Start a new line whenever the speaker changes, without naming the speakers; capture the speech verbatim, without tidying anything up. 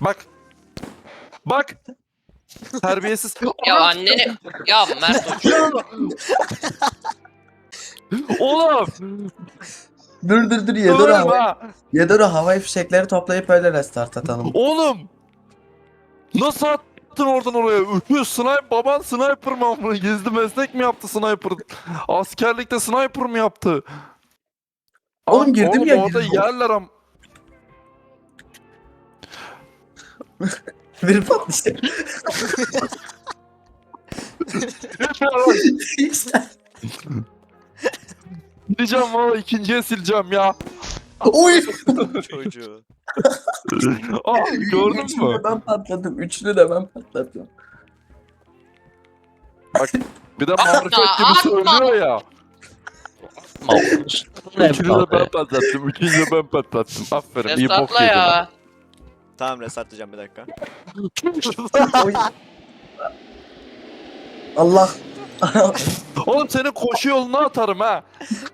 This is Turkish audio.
Bak. Bak. Terbiyesiz.
Ya anneni... Ya Mert Hoca.
Oğlum.
Dur dur dur Yedora
Döverim
havai,
ha.
Yedora havai fişekleri toplayıp öyle restart atalım.
Oğlum. Nasıl attın oradan oraya? Ühü, sniper, baban sniper mı amına? Gizli meslek mi yaptı sniper? Askerlikte sniper mı yaptı?
Oğlum
Abi,
girdim
oğlum,
ya,
orada
girdim.
yerler am.
Bir patlayacak. İşte.
Gideceğim valla, ikinciye sileceğim ya.
Oy!
Çocuğu.
Ah, gördün
Üçünü
mü?
de ben patladım. Üçünü de ben patladım.
Bak, bir de marifet gibi
atma.
söylüyor ya.
Ma
Üçünü de ben patlattım, üçüncü de ben patlattım. Aferin, iyi bok
Restartla
yedin.
ya.
Tamam restartlayacağım bir dakika.
Oy. Allah.
Oğlum seni koşu yoluna atarım ha.